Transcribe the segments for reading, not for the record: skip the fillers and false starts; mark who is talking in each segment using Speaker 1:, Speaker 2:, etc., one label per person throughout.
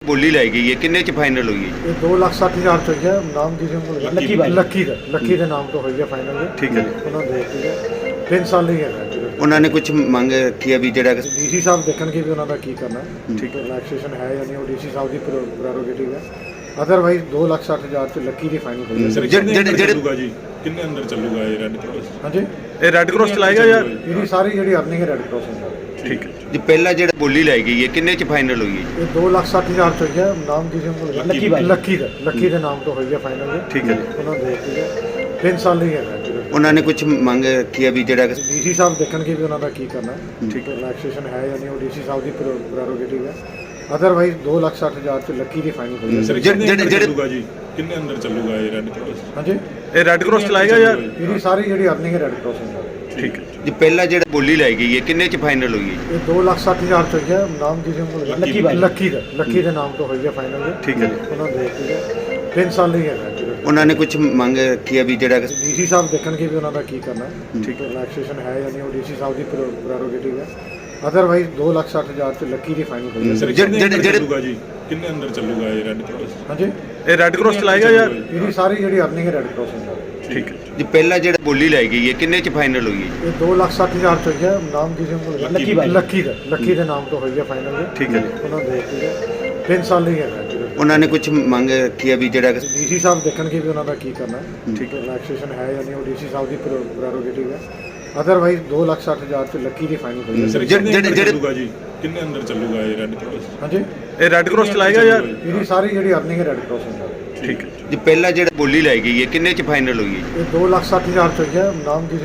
Speaker 1: ਬੋਲੀ ਲਾਈ ਗਈ ਹੈ ਕਿੰਨੇ ਚ ਫਾਈਨਲ ਹੋਈ ਹੈ ਜੀ?
Speaker 2: ਇਹ 2,60,000 ਚ ਹੋਈ ਹੈ। ਨਾਮ ਕੀ ਸੀ ਲੱਕੀ ਦੇ ਨਾਮ ਤੋਂ ਹੋਈ ਹੈ ਫਾਈਨਲ।
Speaker 1: ਠੀਕ ਹੈ ਜੀ।
Speaker 2: ਉਹਨਾਂ ਦੇ 3 ਸਾਲ ਹੀ ਹੈਗਾ ਜੀ।
Speaker 1: ਉਹਨਾਂ ਨੇ ਕੁਝ ਮੰਗ ਰੱਖੀ ਹੈ ਵੀ ਜਿਹੜਾ
Speaker 2: ਡੀਸੀ ਸਾਹਿਬ ਦੇਖਣਗੇ ਵੀ ਉਹਨਾਂ ਦਾ ਕੀ ਕਰਨਾ ਹੈ।
Speaker 1: ਠੀਕ ਹੈ।
Speaker 2: ਰਿਲੈਕਸੇਸ਼ਨ ਹੈ ਜਾਂ ਨਹੀਂ, ਉਹ ਡੀਸੀ ਸਾਹਿਬ ਦੀ ਪ੍ਰੈਰੋਗੇਟਿਵ ਹੈ। ਅਦਰਵਾਈਜ਼ 2,60,000 ਚ ਲੱਕੀ ਦੀ ਫਾਈਨਲ ਹੋਈ ਹੈ।
Speaker 3: ਚੱਲੂਗਾ ਜੀ ਕਿੰਨੇ ਅੰਦਰ ਚੱਲੂਗਾ ਇਹ ਰੈੱਡ ਕ੍ਰਾਸ?
Speaker 2: ਹਾਂਜੀ,
Speaker 3: ਇਹ ਰੈੱਡ ਕ੍ਰਾਸ ਚਲਾਏਗਾ ਯਾਰ?
Speaker 2: ਇਹਦੀ ਸਾਰੀ ਜਿਹੜੀ ਅਰਨਿੰਗ ਹੈ ਰੈੱਡ ਕ੍ਰਾਸ ਹੁੰਦਾ।
Speaker 3: ਠੀਕ ਹੈ
Speaker 1: ਜੀ ਪਹਿਲਾਂ ਜਿਹੜਾ ਬੋਲੀ ਲਾਈ ਗਈ ਹੈ ਕਿੰਨੇ ਚ ਫਾਈਨਲ ਹੋਈ ਹੈ ਜੀ?
Speaker 2: ਇਹ 2,60,000 ਚ ਹੋਈ ਹੈ। ਨਾਮ ਕੀ ਸੀ ਲੱਕੀ ਦੇ ਨਾਮ ਤੋਂ ਹੋਈ ਹੈ ਫਾਈਨਲ।
Speaker 1: ਠੀਕ ਹੈ ਜੀ।
Speaker 2: ਉਹਨਾਂ ਦੇ 3 ਸਾਲ ਹੀ ਹੈਗਾ ਜੀ।
Speaker 1: ਉਹਨਾਂ ਨੇ ਕੁਝ ਮੰਗ ਰੱਖੀ ਹੈ ਵੀ ਜਿਹੜਾ
Speaker 2: ਡੀਸੀ ਸਾਹਿਬ ਦੇਖਣਗੇ ਵੀ ਉਹਨਾਂ ਦਾ ਕੀ ਕਰਨਾ ਹੈ।
Speaker 1: ਠੀਕ ਹੈ।
Speaker 2: ਰਿਲੈਕਸੇਸ਼ਨ ਹੈ ਜਾਂ ਨਹੀਂ, ਉਹ ਡੀਸੀ ਸਾਹਿਬ ਦੀ ਪ੍ਰੈਰੋਗੇਟਿਵ ਹੈ। ਅਦਰਵਾਈਜ਼ 2,60,000 ਚ ਲੱਕੀ ਦੀ ਫਾਈਨਲ ਹੋਈ ਹੈ।
Speaker 3: ਚੱਲੂਗਾ ਜੀ ਕਿੰਨੇ ਅੰਦਰ ਚੱਲੂਗਾ ਇਹ ਰੈੱਡ ਕ੍ਰਾਸ?
Speaker 2: ਹਾਂਜੀ,
Speaker 3: ਇਹ ਰੈੱਡ ਕ੍ਰਾਸ ਚਲਾਏਗਾ ਯਾਰ?
Speaker 2: ਇਹਦੀ ਸਾਰੀ ਜਿਹੜੀ ਅਰਨਿੰਗ ਹੈ ਰੈੱਡ ਕ੍ਰਾਸ ਹੁੰਦਾ।
Speaker 3: ਠੀਕ ਹੈ।
Speaker 1: ਜੀ ਪਹਿਲਾਂ ਜਿਹੜਾ ਬੋਲੀ ਲਾਈ ਗਈ ਹੈ ਕਿੰਨੇ ਚ ਫਾਈਨਲ ਹੋਈ ਹੈ ਜੀ?
Speaker 2: ਇਹ 2,60,000 ਚ ਹੋਈ ਹੈ। ਨਾਮ ਕੀ ਸੀ ਲੱਕੀ ਦੇ ਨਾਮ ਤੋਂ ਹੋਈ ਹੈ ਫਾਈਨਲ।
Speaker 1: ਠੀਕ ਹੈ ਜੀ।
Speaker 2: ਉਹਨਾਂ ਦੇ 3 ਸਾਲ ਹੀ ਹੈਗਾ ਜੀ।
Speaker 1: ਉਹਨਾਂ ਨੇ ਕੁਝ ਮੰਗ ਰੱਖੀ ਹੈ ਵੀ ਜਿਹੜਾ
Speaker 2: ਡੀਸੀ ਸਾਹਿਬ ਦੇਖਣਗੇ ਵੀ ਉਹਨਾਂ ਦਾ ਕੀ ਕਰਨਾ ਹੈ।
Speaker 1: ਠੀਕ ਹੈ।
Speaker 2: ਰਿਲੈਕਸੇਸ਼ਨ ਹੈ ਜਾਂ ਨਹੀਂ, ਉਹ ਡੀਸੀ ਸਾਹਿਬ ਦੀ ਪ੍ਰੈਰੋਗੇਟਿਵ ਹੈ। ਅਦਰਵਾਈਜ਼ 2,60,000 ਚ ਲੱਕੀ ਦੀ ਫਾਈਨਲ ਹੋਈ ਹੈ।
Speaker 3: ਚੱਲੂਗਾ ਜੀ ਕਿੰਨੇ ਅੰਦਰ ਚੱਲੂਗਾ ਇਹ ਰੈੱਡ ਕ੍ਰਾਸ?
Speaker 2: ਹਾਂਜੀ,
Speaker 3: ਇਹ ਰੈੱਡ ਕ੍ਰਾਸ ਚਲਾਏਗਾ ਯਾਰ?
Speaker 2: ਇਹਦੀ ਸਾਰੀ ਜਿਹੜੀ ਅਰਨਿੰਗ ਹੈ ਰੈੱਡ ਕ੍ਰਾਸ ਹੁੰਦਾ।
Speaker 3: ਠੀਕ ਹੈ।
Speaker 1: ਜੀ ਪਹਿਲਾਂ ਜਿਹੜਾ ਬੋਲੀ ਲਾਈ ਗਈ ਹੈ ਕਿੰਨੇ ਚ ਫਾਈਨਲ ਹੋਈ ਹੈ ਜੀ?
Speaker 2: ਇਹ 2,60,000 ਚ ਹੋਈ ਹੈ। ਨਾਮ ਕੀ ਸੀ ਲੱਕੀ ਦੇ ਨਾਮ ਤੋਂ ਹੋਈ ਹੈ ਫਾਈਨਲ।
Speaker 1: ਠੀਕ ਹੈ ਜੀ।
Speaker 2: ਉਹਨਾਂ ਦੇ 3 ਸਾਲ ਹੀ ਹੈਗਾ ਜੀ।
Speaker 1: ਉਹਨਾਂ ਨੇ ਕੁਝ ਮੰਗ ਰੱਖੀ ਹੈ ਵੀ ਜਿਹੜਾ
Speaker 2: ਡੀਸੀ ਸਾਹਿਬ ਦੇਖਣਗੇ ਵੀ ਉਹਨਾਂ ਦਾ ਕੀ ਕਰਨਾ ਹੈ।
Speaker 1: ਠੀਕ ਹੈ।
Speaker 2: ਰਿਲੈਕਸੇਸ਼ਨ ਹੈ ਜਾਂ ਨਹੀਂ, ਉਹ ਡੀਸੀ ਸਾਹਿਬ ਦੀ ਪ੍ਰੈਰੋਗੇਟਿਵ ਹੈ। ਅਦਰਵਾਈਜ਼ 2,60,000 ਚ ਲੱਕੀ ਦੀ ਫਾਈਨਲ ਹੋਈ ਹੈ।
Speaker 3: ਚੱਲੂਗਾ ਜੀ ਕਿੰਨੇ ਅੰਦਰ ਚੱਲੂਗਾ ਇਹ ਰੈੱਡ ਕ੍ਰਾਸ?
Speaker 2: ਹਾਂਜੀ,
Speaker 3: ਇਹ ਰੈੱਡ ਕ੍ਰਾਸ ਚਲਾਏਗਾ ਯਾਰ?
Speaker 2: ਇਹਦੀ ਸਾਰੀ ਜਿਹੜੀ ਅਰਨਿੰਗ ਹੈ ਰੈੱਡ ਕ੍ਰਾਸ ਹੁੰਦਾ।
Speaker 3: ਠੀਕ ਹੈ।
Speaker 1: ਜੀ ਪਹਿਲਾਂ ਜਿਹੜਾ ਬੋਲੀ ਲਾਈ ਗਈ ਹੈ ਕਿੰਨੇ ਚ ਫਾਈਨਲ ਹੋਈ ਹੈ ਜੀ?
Speaker 2: ਇਹ 2,60,000 ਚ ਹੋਈ ਹੈ। ਨਾਮ ਕੀ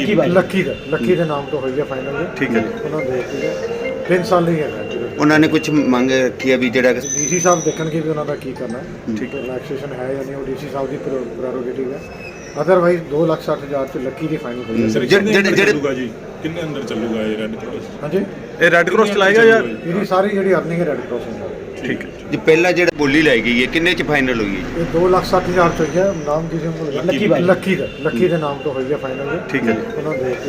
Speaker 2: ਸੀ ਲੱਕੀ ਦੇ ਨਾਮ ਤੋਂ ਹੋਈ ਹੈ ਫਾਈਨਲ।
Speaker 1: ਠੀਕ ਹੈ ਜੀ।
Speaker 2: ਉਹਨਾਂ ਦੇ 3 ਸਾਲ ਹੀ ਹੈਗਾ ਜੀ।
Speaker 1: ਉਹਨਾਂ ਨੇ ਕੁਝ ਮੰਗ ਰੱਖੀ ਹੈ ਵੀ ਜਿਹੜਾ
Speaker 2: ਡੀਸੀ ਸਾਹਿਬ ਦੇਖਣਗੇ ਵੀ ਉਹਨਾਂ ਦਾ ਕੀ ਕਰਨਾ ਹੈ।
Speaker 1: ਠੀਕ ਹੈ।
Speaker 2: ਰਿਲੈਕਸੇਸ਼ਨ ਹੈ ਜਾਂ ਨਹੀਂ, ਉਹ ਡੀਸੀ ਸਾਹਿਬ ਦੀ ਪ੍ਰੈਰੋਗੇਟਿਵ ਹੈ। ਅਦਰਵਾਈਜ਼ 2,60,000 ਚ ਲੱਕੀ ਦੀ ਫਾਈਨਲ ਹੋਈ ਹੈ।
Speaker 3: ਚੱਲੂਗਾ ਜੀ ਕਿੰਨੇ ਅੰਦਰ ਚੱਲੂਗਾ ਇਹ ਰੈੱਡ ਕ੍ਰਾਸ?
Speaker 2: ਹਾਂਜੀ,
Speaker 3: ਇਹ ਰੈੱਡ ਕ੍ਰਾਸ ਚਲਾਏਗਾ ਯਾਰ?
Speaker 2: ਇਹਦੀ ਸਾਰੀ ਜਿਹੜੀ ਅਰਨਿੰਗ ਹੈ ਰੈੱਡ ਕ੍ਰਾਸ ਹੁੰਦਾ।
Speaker 3: ਠੀਕ ਹੈ।
Speaker 1: ਜੀ ਪਹਿਲਾਂ ਜਿਹੜਾ ਬੋਲੀ ਲਾਈ ਗਈ ਹੈ ਕਿੰਨੇ ਚ ਫਾਈਨਲ ਹੋਈ ਹੈ ਜੀ?
Speaker 2: ਇਹ 2,60,000 ਚ ਹੋਈ ਹੈ। ਨਾਮ ਕੀ ਸੀ ਲੱਕੀ ਦੇ ਨਾਮ ਤੋਂ ਹੋਈ ਹੈ ਫਾਈਨਲ।
Speaker 1: ਠੀਕ ਹੈ ਜੀ।
Speaker 2: ਉਹਨਾਂ ਦੇ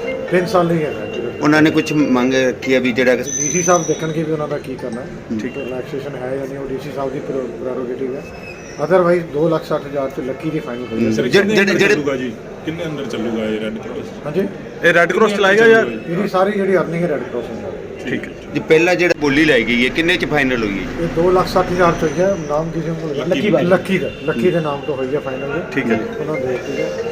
Speaker 2: 3 ਸਾਲ ਹੀ ਹੈਗਾ ਜੀ।
Speaker 1: ਉਹਨਾਂ ਨੇ ਕੁਝ ਮੰਗ ਰੱਖੀ ਹੈ ਵੀ ਜਿਹੜਾ
Speaker 2: ਡੀਸੀ ਸਾਹਿਬ ਦੇਖਣਗੇ ਵੀ ਉਹਨਾਂ ਦਾ ਕੀ ਕਰਨਾ ਹੈ।
Speaker 1: ਠੀਕ ਹੈ।
Speaker 2: ਰਿਲੈਕਸੇਸ਼ਨ ਹੈ ਜਾਂ ਨਹੀਂ, ਉਹ ਡੀਸੀ ਸਾਹਿਬ ਦੀ ਪ੍ਰੈਰੋਗੇਟਿਵ ਹੈ। ਅਦਰਵਾਈਜ਼ 2,60,000 ਚ ਲੱਕੀ ਦੀ ਫਾਈਨਲ ਹੋਈ ਹੈ।
Speaker 3: ਚੱਲੂਗਾ ਜੀ ਕਿੰਨੇ ਅੰਦਰ ਚੱਲੂਗਾ ਇਹ ਰੈੱਡ ਕ੍ਰਾਸ?
Speaker 2: ਹਾਂਜੀ,
Speaker 3: ਇਹ ਰੈੱਡ ਕ੍ਰਾਸ ਚਲਾਏਗਾ ਯਾਰ?
Speaker 2: ਇਹਦੀ ਸਾਰੀ ਜਿਹੜੀ ਅਰਨਿੰਗ ਹੈ ਰੈੱਡ ਕ੍ਰਾਸ ਹੁੰਦਾ।
Speaker 3: ਠੀਕ ਹੈ।
Speaker 1: ਜੀ ਪਹਿਲਾਂ ਜਿਹੜਾ ਬੋਲੀ ਲਾਈ ਗਈ ਹੈ ਕਿੰਨੇ ਚ ਫਾਈਨਲ ਹੋਈ ਹੈ ਜੀ?
Speaker 2: ਇਹ 2,60,000 ਚ ਹੋਈ ਹੈ। ਨਾਮ ਕੀ ਸੀ ਲੱਕੀ ਦੇ ਨਾਮ ਤੋਂ ਹੋਈ ਹੈ ਫਾਈਨਲ।
Speaker 1: ਠੀਕ ਹੈ ਜੀ।
Speaker 2: ਉਹਨਾਂ ਦੇ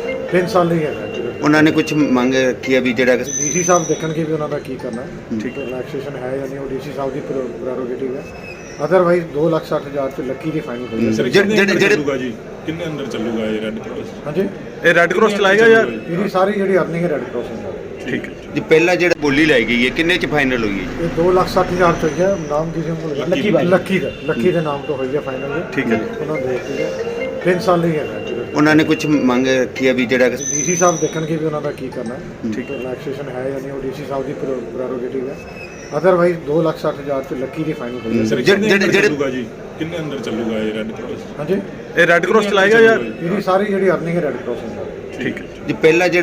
Speaker 2: 3 ਸਾਲ ਹੀ ਹੈਗਾ ਜੀ।
Speaker 1: ਉਹਨਾਂ ਨੇ ਕੁਝ ਮੰਗ ਰੱਖੀ ਹੈ ਵੀ ਜਿਹੜਾ
Speaker 2: ਡੀਸੀ ਸਾਹਿਬ ਦੇਖਣਗੇ ਵੀ ਉਹਨਾਂ ਦਾ ਕੀ ਕਰਨਾ ਹੈ।
Speaker 1: ਠੀਕ ਹੈ।
Speaker 2: ਰਿਲੈਕਸੇਸ਼ਨ ਹੈ ਜਾਂ ਨਹੀਂ, ਉਹ ਡੀਸੀ ਸਾਹਿਬ ਦੀ ਪ੍ਰੈਰੋਗੇਟਿਵ ਹੈ। ਅਦਰਵਾਈਜ਼ 2,60,000 ਚ ਲੱਕੀ ਦੀ ਫਾਈਨਲ ਹੋਈ ਹੈ।
Speaker 3: ਚੱਲੂਗਾ ਜੀ ਕਿੰਨੇ ਅੰਦਰ ਚੱਲੂਗਾ ਇਹ ਰੈੱਡ ਕ੍ਰਾਸ?
Speaker 2: ਹਾਂਜੀ,
Speaker 3: ਇਹ ਰੈੱਡ ਕ੍ਰਾਸ ਚਲਾਏਗਾ ਯਾਰ?
Speaker 2: ਇਹਦੀ ਸਾਰੀ ਜਿਹੜੀ ਅਰਨਿੰਗ ਹੈ ਰੈੱਡ ਕ੍ਰਾਸ ਹੁੰਦਾ।
Speaker 3: ਠੀਕ ਹੈ।
Speaker 1: ਜੀ ਪਹਿਲਾਂ ਜਿਹੜਾ ਬੋਲੀ ਲਾਈ ਗਈ ਹੈ ਕਿੰਨੇ ਚ ਫਾਈਨਲ ਹੋਈ ਹੈ ਜੀ?
Speaker 2: ਇਹ 2,60,000 ਚ ਹੋਈ ਹੈ। ਨਾਮ ਕੀ ਸੀ ਲੱਕੀ ਦੇ ਨਾਮ ਤੋਂ ਹੋਈ ਹੈ ਫਾਈਨਲ।
Speaker 1: ਠੀਕ ਹੈ ਜੀ।
Speaker 2: ਉਹਨਾਂ ਦੇ 3 ਸਾਲ ਹੀ ਹੈਗਾ ਜੀ।
Speaker 1: ਉਹਨਾਂ ਨੇ ਕੁਝ ਮੰਗ ਰੱਖੀ ਹੈ ਵੀ ਜਿਹੜਾ
Speaker 2: ਡੀਸੀ ਸਾਹਿਬ ਦੇਖਣਗੇ ਵੀ ਉਹਨਾਂ ਦਾ ਕੀ ਕਰਨਾ ਹੈ।
Speaker 1: ਠੀਕ ਹੈ।
Speaker 2: ਰਿਲੈਕਸੇਸ਼ਨ ਹੈ ਜਾਂ ਨਹੀਂ, ਉਹ ਡੀਸੀ ਸਾਹਿਬ ਦੀ ਪ੍ਰੈਰੋਗੇਟਿਵ ਹੈ। ਅਦਰਵਾਈਜ਼ 2,60,000 ਚ ਲੱਕੀ ਦੀ ਫਾਈਨਲ ਹੋਈ ਹੈ।
Speaker 3: ਚੱਲੂਗਾ ਜੀ ਕਿੰਨੇ ਅੰਦਰ ਚੱਲੂਗਾ ਇਹ ਰੈੱਡ ਕ੍ਰਾਸ?
Speaker 2: ਹਾਂਜੀ,
Speaker 3: ਇਹ ਰੈੱਡ ਕ੍ਰਾਸ ਚਲਾਏਗਾ ਯਾਰ?
Speaker 2: ਇਹਦੀ ਸਾਰੀ ਜਿਹੜੀ ਅਰਨਿੰਗ ਹੈ ਰੈੱਡ ਕ੍ਰਾਸ ਹੁੰਦਾ।
Speaker 3: ਠੀਕ ਹੈ।
Speaker 1: ਜੀ ਪਹਿਲਾਂ ਜਿਹੜਾ